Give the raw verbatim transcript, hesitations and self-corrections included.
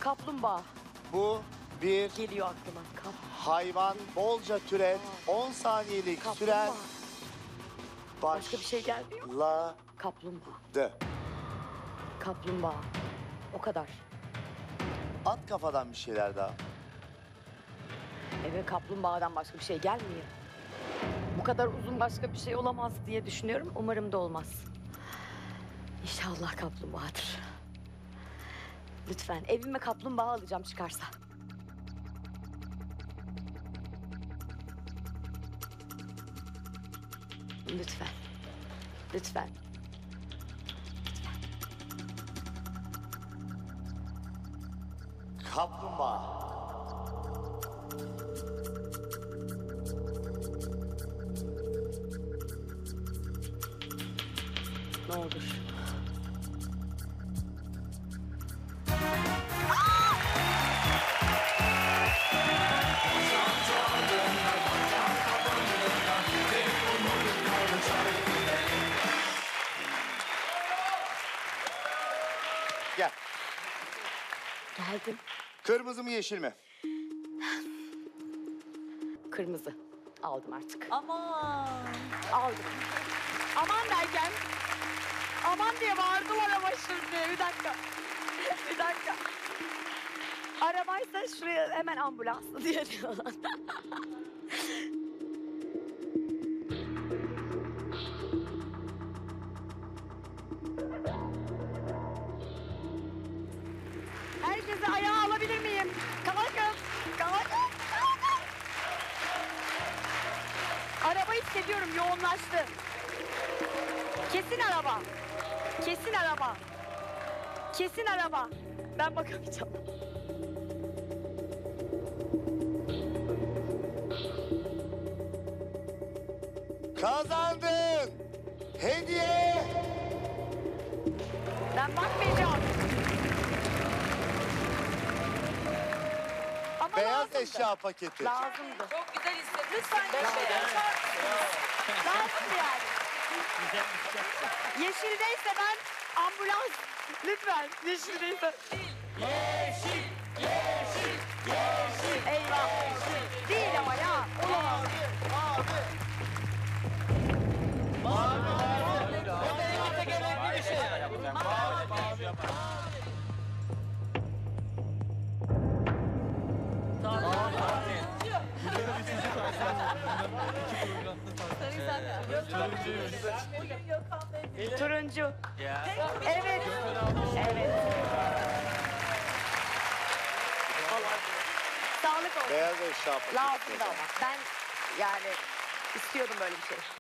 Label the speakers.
Speaker 1: Kaplumbağa
Speaker 2: Bu bir
Speaker 1: geliyor aklıma. Kap
Speaker 2: hayvan, bolca türet, on saniyelik süren
Speaker 1: kaplumbağa. Başka bir şey gelmiyor.
Speaker 2: başladı.
Speaker 1: Kaplumbağa. Kaplumbağa. O kadar.
Speaker 2: At kafadan bir şeyler daha.
Speaker 1: Eve kaplumbağadan başka bir şey gelmiyor. Bu kadar uzun başka bir şey olamaz diye düşünüyorum. Umarım da olmaz. İnşallah kaplumbağadır. Lütfen evime kaplumbağa alacağım çıkarsa. Lütfen. Lütfen.
Speaker 2: Kaplumbağa.
Speaker 1: Ne olur.
Speaker 2: Gel.
Speaker 1: Geldim.
Speaker 2: Kırmızı mı yeşil mi?
Speaker 1: Kırmızı. Aldım artık.
Speaker 3: Aman.
Speaker 1: Aldım. Aman derken aman diye bağırdılar ama şimdi. Bir dakika. Bir dakika. Arabaysa şuraya hemen ambulans diye diyorlar. Herkesi ayağa alabilir miyim? Kalkın. Kalkın. Kalkın. Arabayı hissediyorum, yoğunlaştı. Kesin araba. Kesin araba. Kesin araba. Ben bakamayacağım.
Speaker 2: Kazandın. Hediye.
Speaker 1: Ben bakmayacağım. Ama
Speaker 2: Beyaz
Speaker 1: lazımdı.
Speaker 2: eşya paketi.
Speaker 1: Lazımdı.
Speaker 3: Çok güzel hissettim. Lütfen yeşil.
Speaker 1: Lazımdı yani. Yeşildeyse ben ambulans. Lütfen yeşildeyse.
Speaker 3: Yeşil, yeşil, yeşil.
Speaker 1: Eyvah. Değil ama ya. Olamaz. Turuncu. Evet. Evet. Sağlık olsun.
Speaker 2: Beyaz eşya paketi.
Speaker 1: Lazımdı ama. Ben yani istiyordum böyle bir şey.